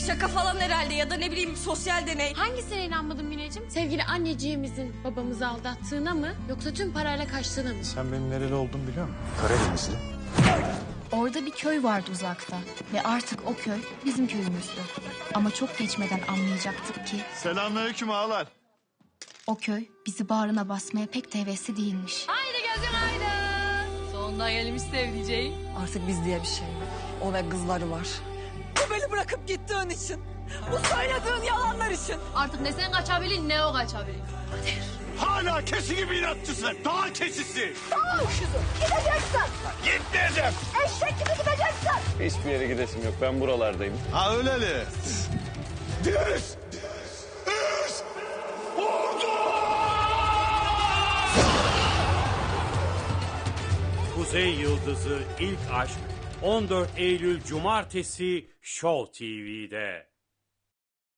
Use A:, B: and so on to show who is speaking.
A: Şaka falan herhalde ya da ne bileyim sosyal deney.
B: Hangisine inanmadın Mineciğim? Sevgili anneciğimizin babamızı aldattığına mı yoksa tüm parayla kaçtığına mı?
C: Sen benim nereli olduğumu biliyor musun? Karadenizli.
D: Orada bir köy vardı uzakta ve artık o köy bizim köyümüzdü. Ama çok geçmeden anlayacaktık ki
E: Selamünaleyküm ağalar.
D: o köy bizi bağrına basmaya pek de hevesli değilmiş.
B: Haydi gözüm haydi. Sonunda gelmiş sevdiceğim.
F: Artık biz diye bir şey yok. O ve kızları var. Bu beni bırakıp gittiğin için. Bu söylediğin yalanlar için.
B: Artık ne sen kaçabilin ne o kaçabilin.
E: Hala keçi gibi inatçısın. Daha keçisi.
F: Tamam kızım. Gideceksin.
E: Gitmeyeceğim.
F: Eşek gibi gideceksin.
G: Hiçbir yere gidesim yok. Ben buralardayım.
E: Ha öyleli. Düz.
H: Kuzey Yıldızı İlk Aşk 14 Eylül Cumartesi Show TV'de.